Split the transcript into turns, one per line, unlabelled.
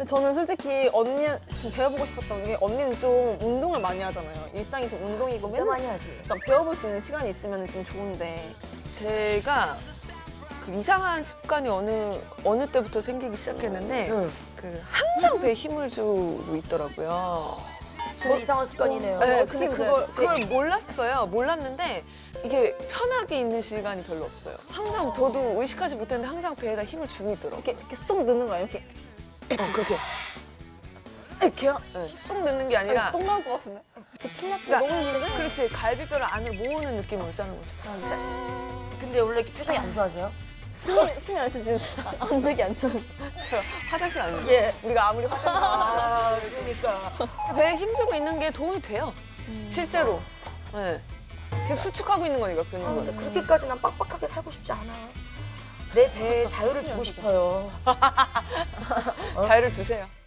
근데 저는 솔직히 언니 좀 배워보고 싶었던 게 언니는 좀 운동을 많이 하잖아요. 일상이 좀 운동이고
진짜 많이 하지.
그러니까 배워볼 수 있는 시간이 있으면 좀 좋은데.
제가 그 이상한 습관이 어느 때부터 생기기 시작했는데 그 항상 배에 힘을 주고 있더라고요.
진짜 이상한 습관이네요.
네, 근데
어떻게
그걸 몰랐어요. 몰랐는데 이게 편하게 있는 시간이 별로 없어요. 항상 저도 의식하지 못했는데 항상 배에다 힘을 주고 있더라고요.
이렇게 쏙 넣는 거야, 이렇게.
그렇게.
이렇게요?
네, 쏙 넣는 게 아니라
똥 나올 것 같은데? 저 필라테스
그러니까
너무 힘든데?
그렇지, 갈비뼈를 안으로 모으는 느낌으로 짜는 거죠.
근데 원래 이렇게 표정이 안 좋아져요?
숨이 안 쉬지. 안 되게 안 쳐요.
제가 화장실 안 가요.
예.
우리가 아무리 화장실
아, 그러니까.
배에 힘주고 있는 게 도움이 돼요. 실제로. 네. 계속 수축하고 있는 거니까
아,
근육을.
근데 그렇게까지 난 빡빡하게 살고 싶지 않아. 내 배에 자유를 주고 싶어요.
자유를 주세요.